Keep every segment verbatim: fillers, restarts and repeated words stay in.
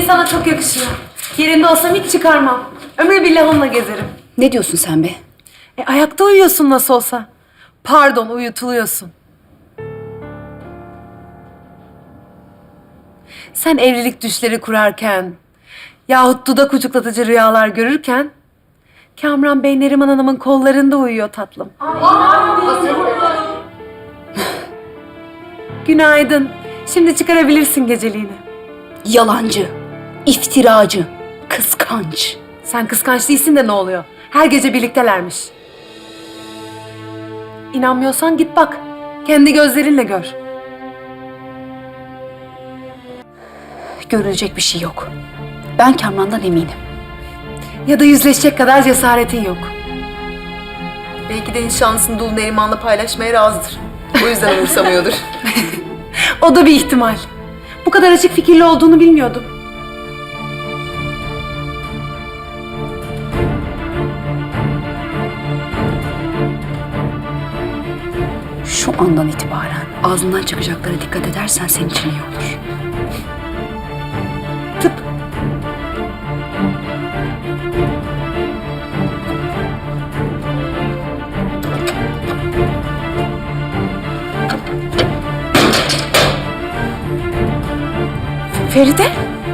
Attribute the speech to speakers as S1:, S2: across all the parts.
S1: sana çok yakışıyor. Yerinde olsam hiç çıkarmam. Ömrü billah onunla gezerim.
S2: Ne diyorsun sen be?
S1: E, ayakta uyuyorsun nasıl olsa. Pardon, uyutuluyorsun. Sen evlilik düşleri kurarken yahut dudak ucuklatıcı rüyalar görürken Kamran Bey Neriman Hanım'ın kollarında uyuyor tatlım. Günaydın. Şimdi çıkarabilirsin geceliğini.
S2: Yalancı, iftiracı, kıskanç.
S1: Sen kıskanç değilsin de ne oluyor? Her gece birliktelermiş. İnanmıyorsan git bak. Kendi gözlerinle gör.
S2: Görülecek bir şey yok. Ben Kamran'dan eminim.
S1: Ya da yüzleşecek kadar cesaretin yok. Belki de nişanlısını dul Neriman'la paylaşmaya razıdır. O yüzden umursamıyordur. O da bir ihtimal. Bu kadar açık fikirli olduğunu bilmiyordum.
S2: Şu andan itibaren ağzından çıkacaklara dikkat edersen senin için iyi olur.
S1: Tıp. Feride?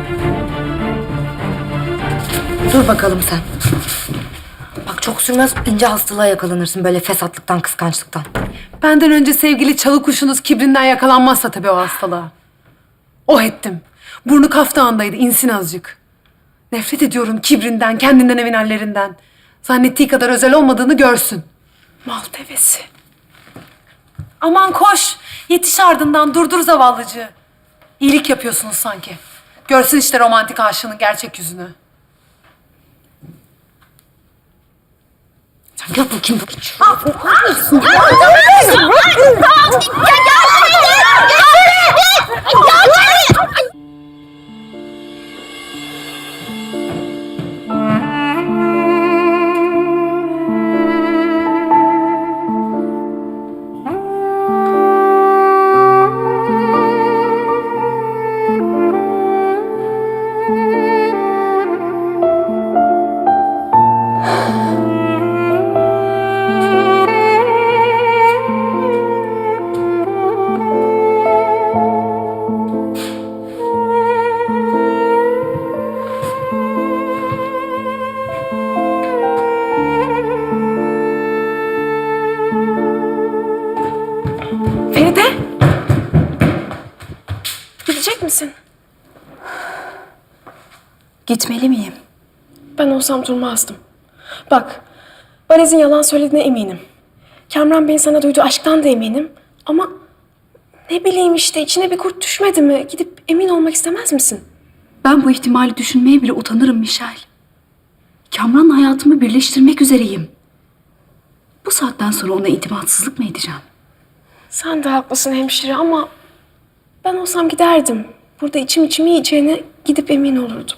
S3: Dur bakalım sen. Bak çok sürmez ince hastalığa yakalanırsın böyle fesatlıktan, kıskançlıktan.
S1: Benden önce sevgili çalı kuşunuz kibrinden yakalanmazsa tabii o hastalığa. Oh ettim. Burnu kaftağındaydı, insin azıcık. Nefret ediyorum kibrinden, kendinden emin hallerinden. Zannettiği kadar özel olmadığını görsün. Mal devesi. Aman koş, yetiş ardından, durdur zavallıcığı. İyilik yapıyorsunuz sanki. Görsün işte romantik aşığının gerçek yüzünü.
S3: Sen gel bakayım bakayım.
S1: Feride? Gidecek misin?
S2: Gitmeli miyim?
S4: Ben olsam durmazdım. Bak, Valiz'in yalan söylediğine eminim. Kamran Bey'in sana duyduğu aşktan da eminim. Ama ne bileyim işte içine bir kurt düşmedi mi? Gidip emin olmak istemez misin?
S2: Ben bu ihtimali düşünmeye bile utanırım Michel. Kamran'la hayatımı birleştirmek üzereyim. Bu saatten sonra ona itimatsızlık mı edeceğim?
S4: Sen de haklısın hemşire ama ben olsam giderdim. Burada içim içim yiyeceğine gidip emin olurdum.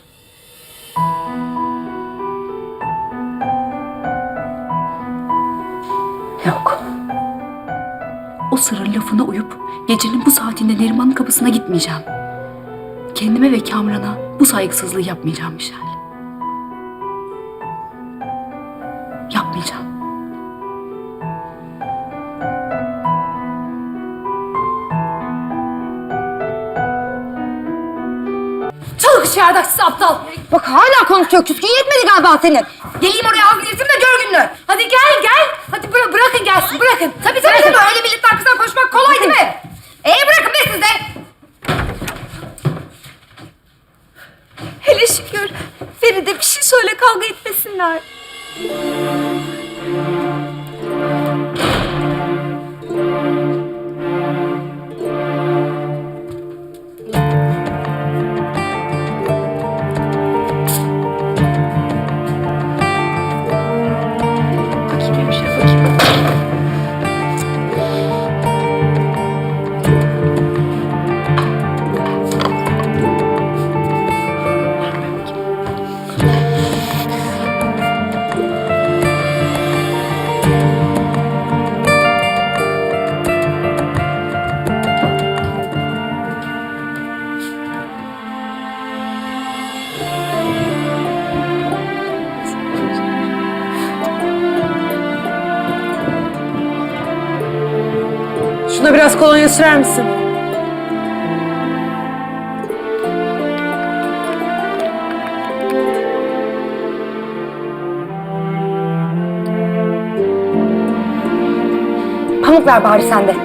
S2: Yok. O sırrın lafına uyup gecenin bu saatinde Neriman'ın kapısına gitmeyeceğim. Kendime ve Kamran'a bu saygısızlığı yapmayacağım Michel. Yapmayacağım.
S1: Çalı kuşu yardakçısı aptal.
S3: Bak hala konuşuyor. Küskün yetmedi galiba senin. Geleyim oraya az gidilsin de gör gününü.
S1: Hadi gel gel. Hadi bıra- bırakın gelsin bırakın.
S3: Tabii tabii tabii. Öyle milletin arkasından koşmak kolay değil mi? Ee bırakın be siz de.
S1: Hele şükür. Feride bir şey söyle kavga etmesinler.
S2: Bakayım hemşire, bakayım.
S1: Bana biraz kolonya sürer misin?
S3: Pamuk ver bari sen de.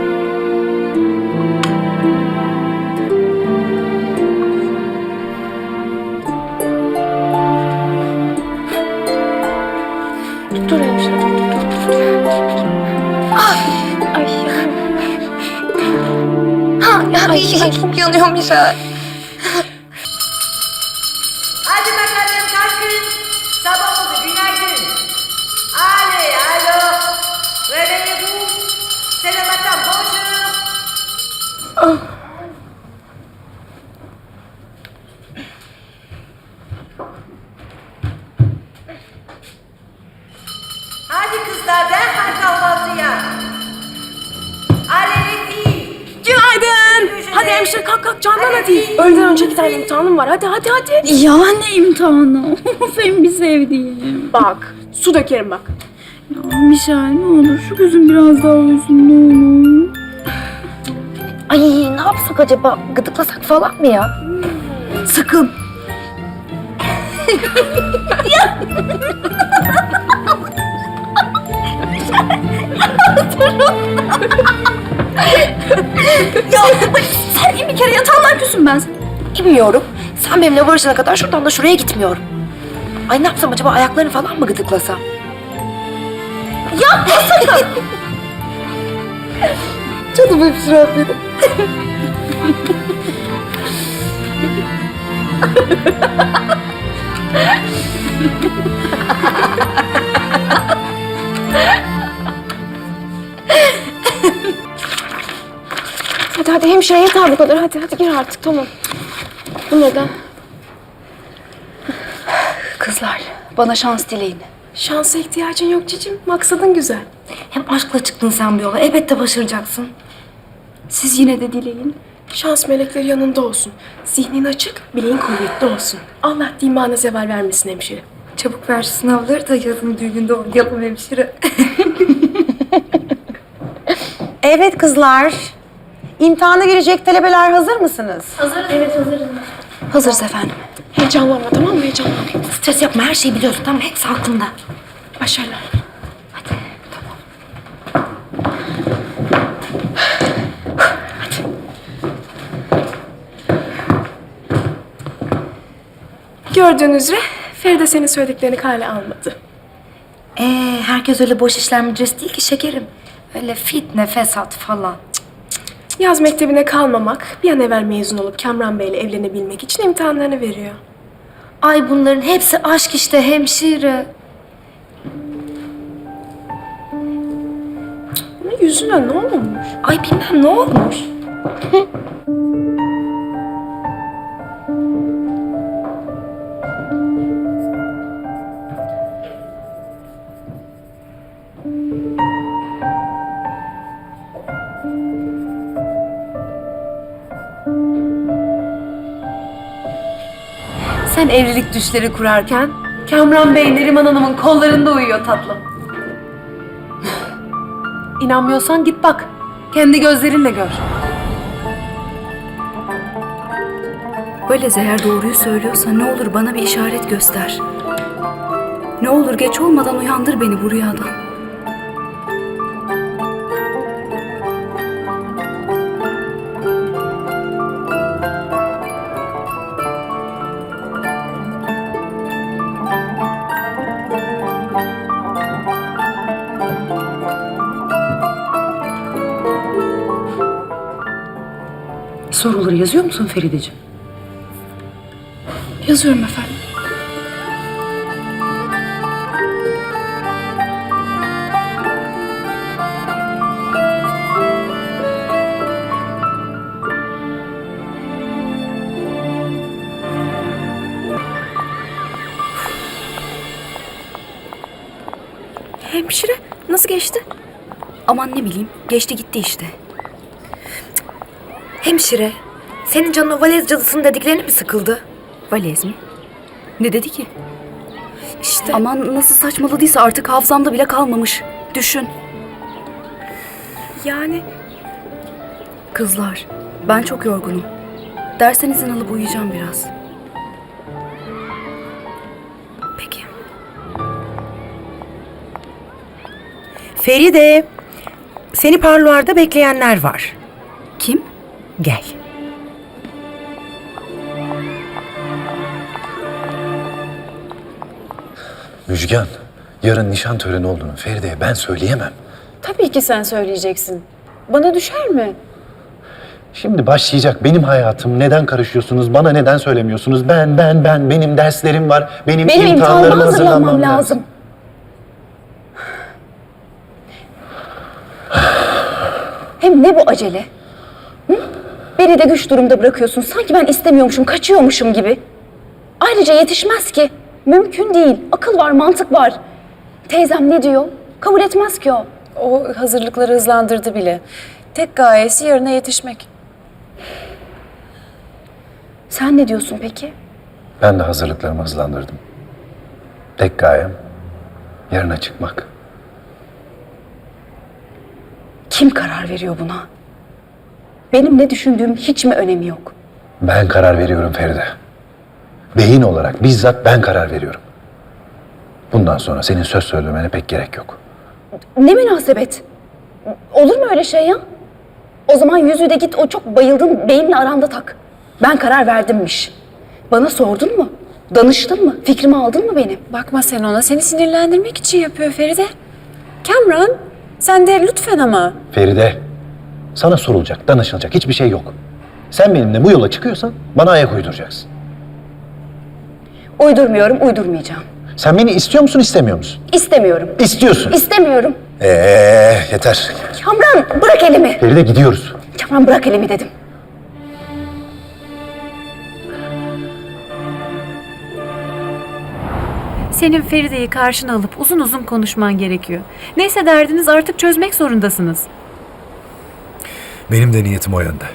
S4: Dur hemşire, dur, dur, dur, dur. Ay, ay.
S3: Ha, ay, çok yanıyorum Michel.
S5: Hadi bakalım kalkın. Sabah oldu, günaydın. Allez, alors, réveillez-vous. C'est le matin, bonjour. Hadi kızlar, derhal kahvaltıya. Allez les filles.
S4: Günaydın. Hadi hemşire kalk kalk Candan hadi. Öğleden önce iki tane imtihanım var. Hadi hadi hadi.
S2: Ya ne imtihanı? Of en bir sevdiğim.
S4: Bak su dökerim bak.
S2: Ya Mişel ne olur şu gözüm biraz daha uyusun ne olur.
S3: Ay ne yapsak acaba? Gıdıklasak falan mı ya?
S2: Sakın. ya sen in bir kere yatağından küsüm ben.
S3: Bilmiyorum. Sen benimle barışana kadar şuradan da şuraya gitmiyorum. Ay ne yapsam acaba, ayaklarını falan mı gıdıklasam? Yapma sakın! Canım hemşirem benim.
S4: Hadi hadi hemşire yeter bu kadar. Hadi hadi gir artık tamam. Bunları da
S2: Kızlar bana şans dileyin.
S4: şansa ihtiyacın yok cicim. Maksadın güzel.
S3: Hem aşkla çıktın sen bu yola. Elbette başaracaksın.
S2: Siz yine de dileyin.
S4: Şans melekleri yanında olsun. Zihnin açık, bileğin kuvvetli olsun. Allah dimağına zeval vermesin hemşire.
S3: Çabuk ver şu sınavları da yazın düğününde oynayalım hemşire.
S6: Evet kızlar. İmtihana girecek talebeler hazır mısınız?
S2: Hazırız efendim.
S4: Heyecanlanma tamam mı? Heyecanlanma.
S3: Stres yapma, her şeyi biliyorsun. Tamam, hepsi aklında.
S4: Başarılar. Gördüğünüz üzere Feride senin söylediklerini kale almadı.
S3: Ee, herkes öyle boş işler müdüresi değil ki şekerim. Öyle fitne, fesat falan.
S4: Yaz mektebine kalmamak, bir an evvel mezun olup Kamran Bey'le evlenebilmek için imtihanlarını veriyor.
S3: Ay bunların hepsi aşk işte hemşire.
S4: Bunun yüzüne ne olmuş?
S3: Ay bilmem ne olmuş.
S1: Sen evlilik düşleri kurarken Kamran Bey Neriman Hanım'ın kollarında uyuyor tatlım. İnanmıyorsan git bak. Kendi gözlerinle gör.
S2: Valez eğer doğruyu söylüyorsa ne olur bana bir işaret göster. Ne olur geç olmadan uyandır beni bu rüyadan.
S1: Soruları yazıyor musun Ferideciğim?
S2: Yazıyorum efendim.
S4: Hemşire nasıl geçti?
S2: Aman ne bileyim geçti gitti işte.
S3: Hemşire, senin canın o valez cadısının dediklerini mi sıkıldı?
S2: Valez mi? Ne dedi ki?
S3: İşte.
S2: Aman nasıl saçmaladıysa artık hafızamda bile kalmamış. Düşün.
S4: Yani
S2: Kızlar, ben çok yorgunum. Dersten izin alıp uyuyacağım biraz. Peki.
S6: Feride, seni parloarda bekleyenler var.
S2: Kim?
S6: Gel.
S7: Müjgan, yarın nişan töreni olduğunu Feride'ye ben söyleyemem.
S4: Tabii ki sen söyleyeceksin. Bana düşer mi?
S7: Şimdi başlayacak benim hayatım. Neden karışıyorsunuz? Bana neden söylemiyorsunuz? Ben, ben, ben. Benim derslerim var. Benim,
S4: Benim
S7: imtihanlarıma
S4: imtihanıma
S7: hazırlanmam
S4: hazırlanmam
S7: lazım.
S4: lazım. Hem ne bu acele? Hı? Beni de güç durumda bırakıyorsun. Sanki ben istemiyormuşum, kaçıyormuşum gibi. Ayrıca yetişmez ki. Mümkün değil. Akıl var, mantık var. Teyzem ne diyor? Kabul etmez ki o.
S8: O hazırlıkları hızlandırdı bile. Tek gayesi yarına yetişmek.
S4: Sen ne diyorsun peki?
S7: Ben de hazırlıklarımı hızlandırdım. Tek gayem yarına çıkmak.
S4: Kim karar veriyor buna? Benim ne düşündüğüm hiç mi önemi yok?
S7: Ben karar veriyorum Feride. Beyin olarak bizzat ben karar veriyorum. Bundan sonra senin söz söylemene pek gerek yok.
S4: Ne münasebet? Olur mu öyle şey ya? O zaman yüzüğü de git o çok bayıldığın beyimle aranda tak. Ben karar verdimmiş. Bana sordun mu? Danıştın mı? Fikrimi aldın mı benim?
S8: Bakma sen ona. Seni sinirlendirmek için yapıyor Feride. Kamran, sen de lütfen ama.
S7: Feride, sana sorulacak, danışılacak hiçbir şey yok. Sen benimle bu yola çıkıyorsan bana ayak uyduracaksın.
S4: Uydurmuyorum, uydurmayacağım.
S7: Sen beni istiyor musun, istemiyor musun?
S4: İstemiyorum.
S7: İstiyorsun.
S4: İstemiyorum.
S7: Ee, yeter.
S4: Kamran bırak elimi.
S7: Feride gidiyoruz.
S4: Kamran bırak elimi dedim.
S9: Senin Feride'yi karşına alıp uzun uzun konuşman gerekiyor. Neyse derdiniz artık çözmek zorundasınız.
S10: Benim de niyetim o yönde.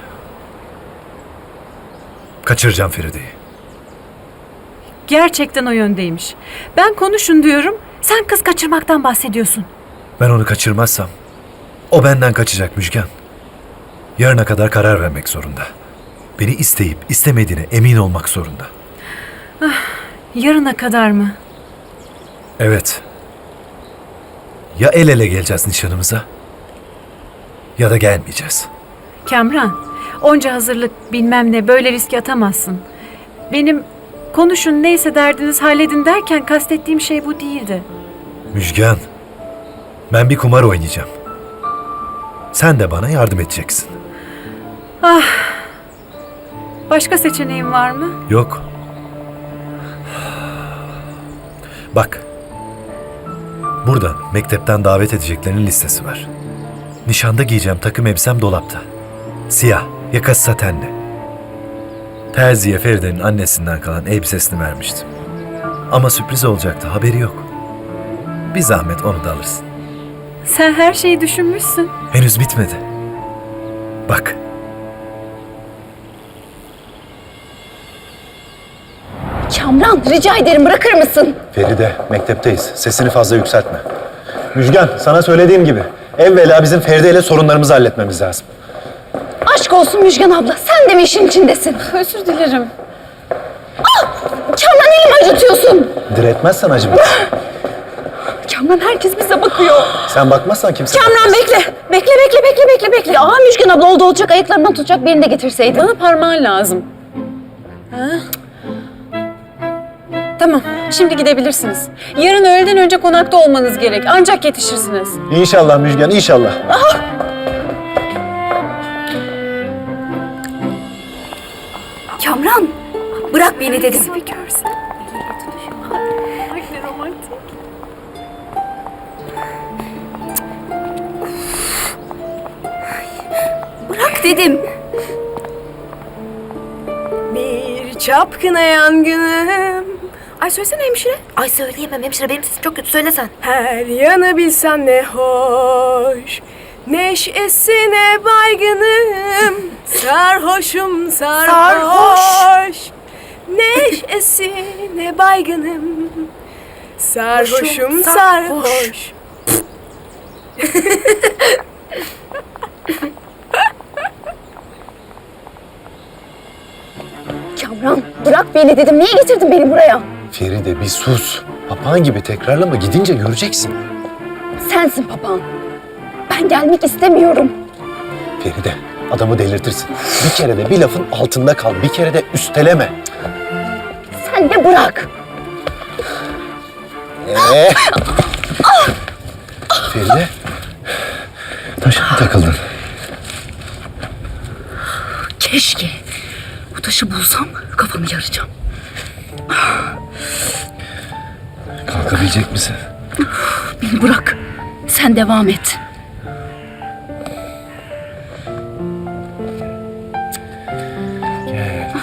S10: Kaçıracağım Feride'yi.
S9: Gerçekten o yöndeymiş. Ben konuşun diyorum, sen kız kaçırmaktan bahsediyorsun.
S10: Ben onu kaçırmazsam o benden kaçacak Müjgan. Yarına kadar karar vermek zorunda. Beni isteyip istemediğine emin olmak zorunda.
S9: Yarına kadar mı?
S10: Evet. Ya el ele geleceğiz nişanımıza ya da gelmeyeceğiz.
S9: Kamran, onca hazırlık bilmem ne böyle riske atamazsın. Benim konuşun neyse derdiniz halledin derken kastettiğim şey bu değildi.
S10: Müjgan, ben bir kumar oynayacağım. Sen de bana yardım edeceksin.
S9: Başka seçeneğin var mı?
S10: Yok. Bak. Burada mektepten davet edeceklerinin listesi var. Nişanda giyeceğim takım elbisem dolapta. Siyah, yakası satenli. Terziye Feride'nin annesinden kalan elbisesini vermiştim. Ama sürpriz olacaktı, haberi yok. Bir zahmet onu da alırsın.
S9: Sen her şeyi düşünmüşsün.
S10: Henüz bitmedi. Bak.
S4: Kamran rica ederim bırakır mısın?
S7: Feride, mektepteyiz. Sesini fazla yükseltme. Müjgan, sana söylediğim gibi evvela bizim Feride ile sorunlarımızı halletmemiz lazım.
S4: Aşk olsun Müjgan abla sen de mi işin içindesin?
S8: Özür dilerim.
S4: Kamran elimi acıtıyorsun.
S7: Diretmezsen acımaz.
S4: Kamran herkes bize bakıyor.
S7: Sen bakmazsan kimse...
S4: Kamran bekle. Bekle bekle bekle bekle bekle. Aa Müjgan abla oldu olacak ayaklarından tutacak birini de getirseydin.
S8: Bana parmağın lazım. Ha? Tamam, şimdi gidebilirsiniz. Yarın öğleden önce konakta olmanız gerek. Ancak yetişirsiniz.
S7: İnşallah Müjgan, inşallah.
S2: Kamran, bırak beni dedim.
S9: Bir görsen. Ay ne romantik.
S2: Bırak dedim.
S4: Bir çapkına yangınım. Ay söylesene hemşire.
S3: Ay söyleyemem hemşire, benim sesim çok kötü, söylesen.
S4: Her yanı bilsen ne hoş. Neşesine baygınım. Sarhoşum sarhoş. Neşesine baygınım. Sarhoşum sarhoş.
S2: bırak beni dedim. Niye getirdin beni buraya?
S10: Feride bir sus. Papağan gibi tekrarlama, gidince göreceksin.
S2: Sensin papağan. Ben gelmek istemiyorum.
S10: Feride, adamı delirtirsin. Bir kere de bir lafın altında kal, bir kere de üsteleme.
S2: Sen de bırak.
S10: Ee? Feride, taşa mı takıldın?
S2: Keşke. Bu taşı bulsam kafamı yaracağım.
S10: Kalkabilecek misin?
S2: Beni bırak. Sen devam et.
S10: Gel.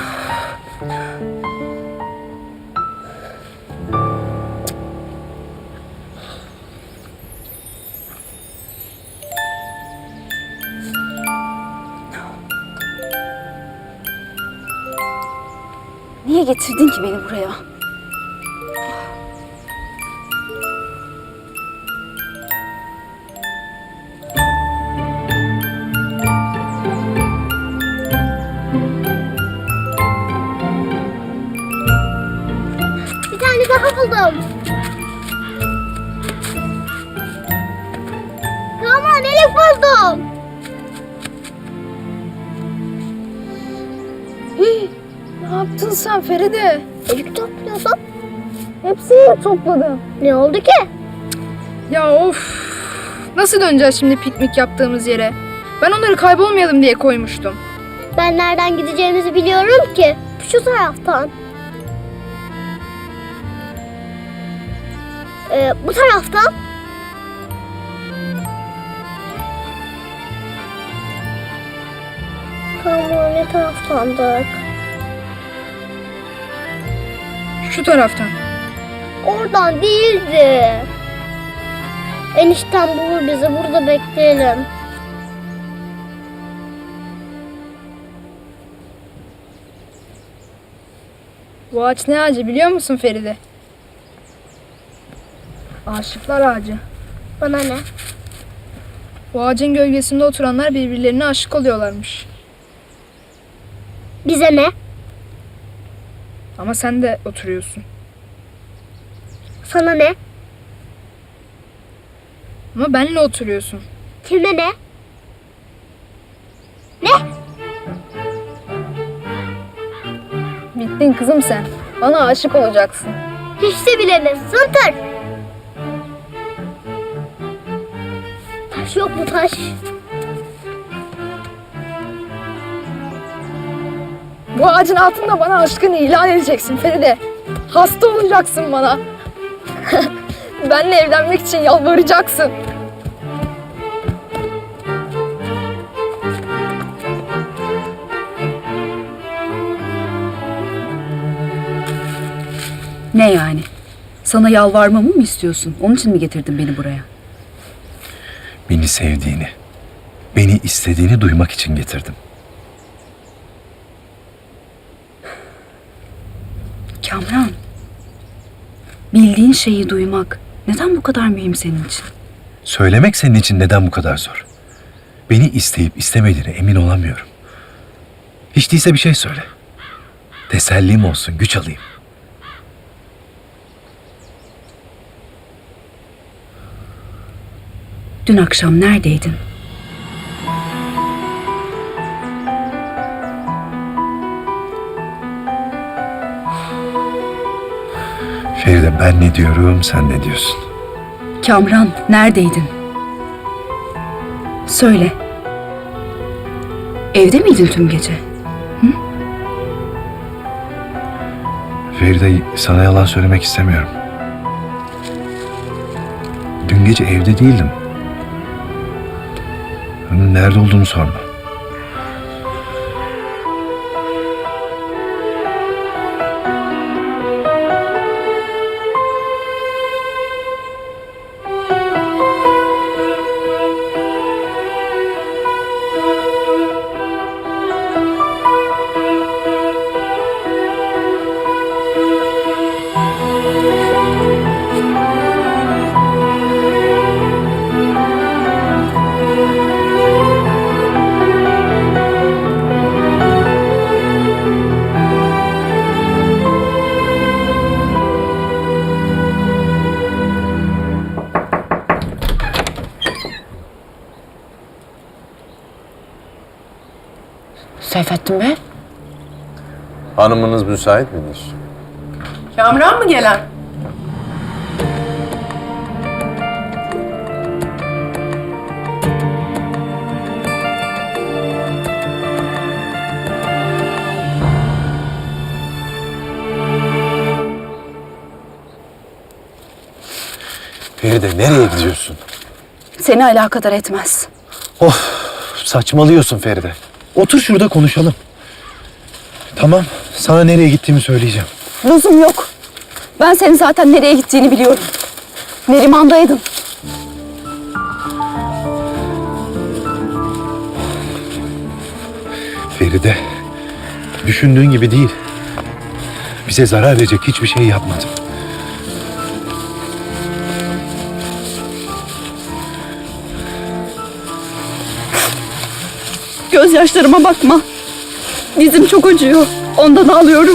S2: Niye getirdin ki beni buraya?
S11: Bir tane daha buldum. Tamam, elif buldum.
S8: Ne yaptın sen Feride?
S11: Elif topluyorsun.
S8: Hepsini topladım.
S11: Ne oldu ki?
S8: Ya of! Nasıl döneceğiz şimdi piknik yaptığımız yere? Ben onları kaybolmayalım diye koymuştum.
S11: Ben nereden gideceğimizi biliyorum ki. Şu taraftan. Ee, bu taraftan. Tamam, ne taraftandık?
S8: Şu taraftan.
S11: Oradan değildi. Enişten bulur bizi. Burada bekleyelim.
S8: Bu ağaç ne ağacı biliyor musun Feride? Aşıklar ağacı.
S11: Bana ne?
S8: Bu ağacın gölgesinde oturanlar birbirlerine aşık oluyorlarmış.
S11: Bize ne?
S8: Ama sen de oturuyorsun.
S11: Sana ne?
S8: Ama benle oturuyorsun.
S11: Kime ne? Ne?
S8: Bittin kızım sen. Bana aşık olacaksın.
S11: Hiç de bilemem. Zıntır. Taş yok mu taş?
S8: Bu ağacın altında bana aşkını ilan edeceksin Feride. Hasta olacaksın bana. Benle evlenmek için yalvaracaksın.
S2: Ne yani? Sana yalvarmamı mı istiyorsun? Onun için mi getirdin beni buraya?
S10: Beni sevdiğini, beni istediğini duymak için getirdim.
S2: Kamran, bildiğin şeyi duymak neden bu kadar mühim senin için?
S10: Söylemek senin için neden bu kadar zor? Beni isteyip istemediğine emin olamıyorum. Hiç değilse bir şey söyle. Tesellim olsun, güç alayım.
S2: Dün akşam neredeydin?
S10: Feride, ben ne diyorum, sen ne diyorsun?
S2: Kamran, neredeydin? Söyle. Evde miydin tüm gece?
S10: Feride, sana yalan söylemek istemiyorum. Dün gece evde değildim. Nerede olduğumu sorma.
S3: Seyfettin Bey.
S12: Hanımınız müsait midir?
S1: Kamran mı gelen?
S10: Feride nereye gidiyorsun?
S2: Seni alakadar etmez.
S10: Of, saçmalıyorsun Feride. Otur şurada konuşalım. Tamam, sana nereye gittiğimi söyleyeceğim.
S2: Lüzum yok. Ben senin zaten nereye gittiğini biliyorum. Neriman'daydın.
S10: Feride, düşündüğün gibi değil. Bize zarar verecek hiçbir şey yapmadım.
S2: Gözyaşlarıma bakma. Dizim çok acıyor. Ondan ağlıyorum.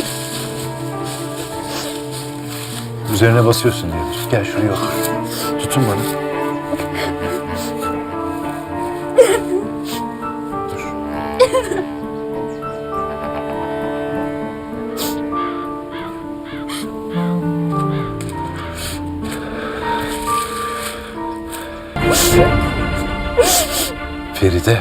S10: Üzerine basıyorsun diyordur. Gel şuraya otur. Tutun bana. Feride.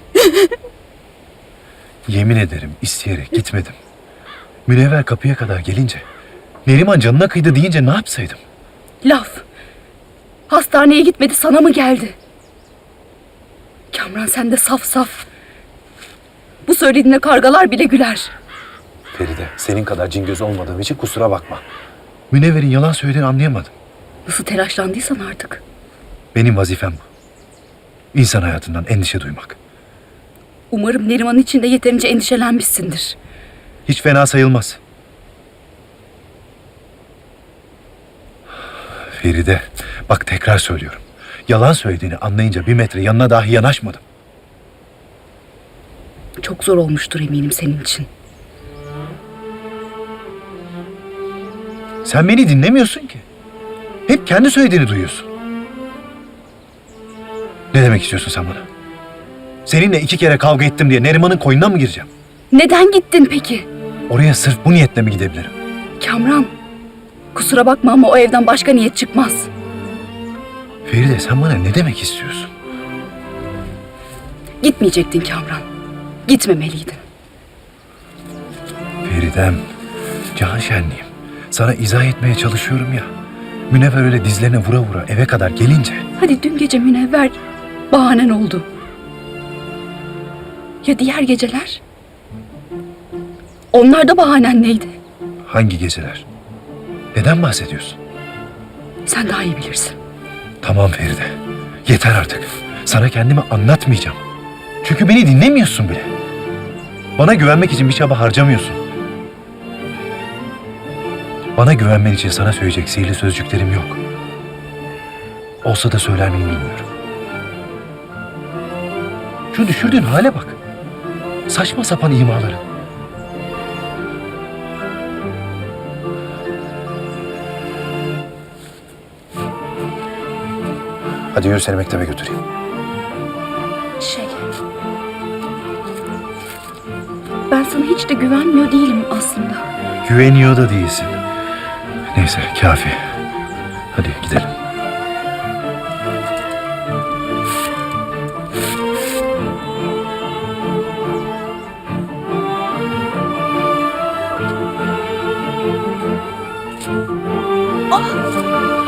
S10: Yemin ederim isteyerek gitmedim. Münevver kapıya kadar gelince, Neriman canına kıydı deyince ne yapsaydım?
S2: Laf. Hastaneye gitmedi, sana mı geldi? Kamran sen de saf saf. Bu söylediğine kargalar bile güler.
S10: Feride, senin kadar cingöz olmadığım için kusura bakma. Münevver'in yalan söylediğini anlayamadım.
S2: Nasıl telaşlandıysan artık.
S10: Benim vazifem bu. İnsan hayatından endişe duymak.
S2: Umarım Neriman için de yeterince endişelenmişsindir.
S10: Hiç fena sayılmaz. Feride, bak tekrar söylüyorum. Yalan söylediğini anlayınca bir metre yanına dahi yanaşmadım.
S2: Çok zor olmuştur eminim senin için.
S10: Sen beni dinlemiyorsun ki. Hep kendi söylediğini duyuyorsun. Ne demek istiyorsun sen bana? Seninle iki kere kavga ettim diye Neriman'ın koynuna mı gireceğim?
S2: Neden gittin peki?
S10: Oraya sırf bu niyetle mi gidebilirim?
S2: Kamran, kusura bakma ama o evden başka niyet çıkmaz.
S10: Feride sen bana ne demek istiyorsun?
S2: Gitmeyecektin Kamran. Gitmemeliydin.
S10: Feridem, can şenliğim. Sana izah etmeye çalışıyorum ya. Münevver öyle dizlerine vura vura eve kadar gelince...
S2: Hadi dün gece Münevver bahanen oldu. Ya diğer geceler? Onlar da bahanen neydi?
S10: Hangi geceler? Neden bahsediyorsun?
S2: Sen daha iyi bilirsin.
S10: Tamam Feride. Yeter artık. Sana kendimi anlatmayacağım. Çünkü beni dinlemiyorsun bile. Bana güvenmek için bir çaba harcamıyorsun. Bana güvenmen için sana söyleyecek sihirli sözcüklerim yok. Olsa da söyler miyim bilmiyorum. Şu düşürdüğün hale bak. Saçma sapan imaları. Hadi yürü seni mektebe götüreyim.
S2: Şey... Ben sana hiç de güvenmiyor değilim aslında.
S10: Güveniyor da değilsin. Neyse kafi. Hadi gidelim.
S2: Ah!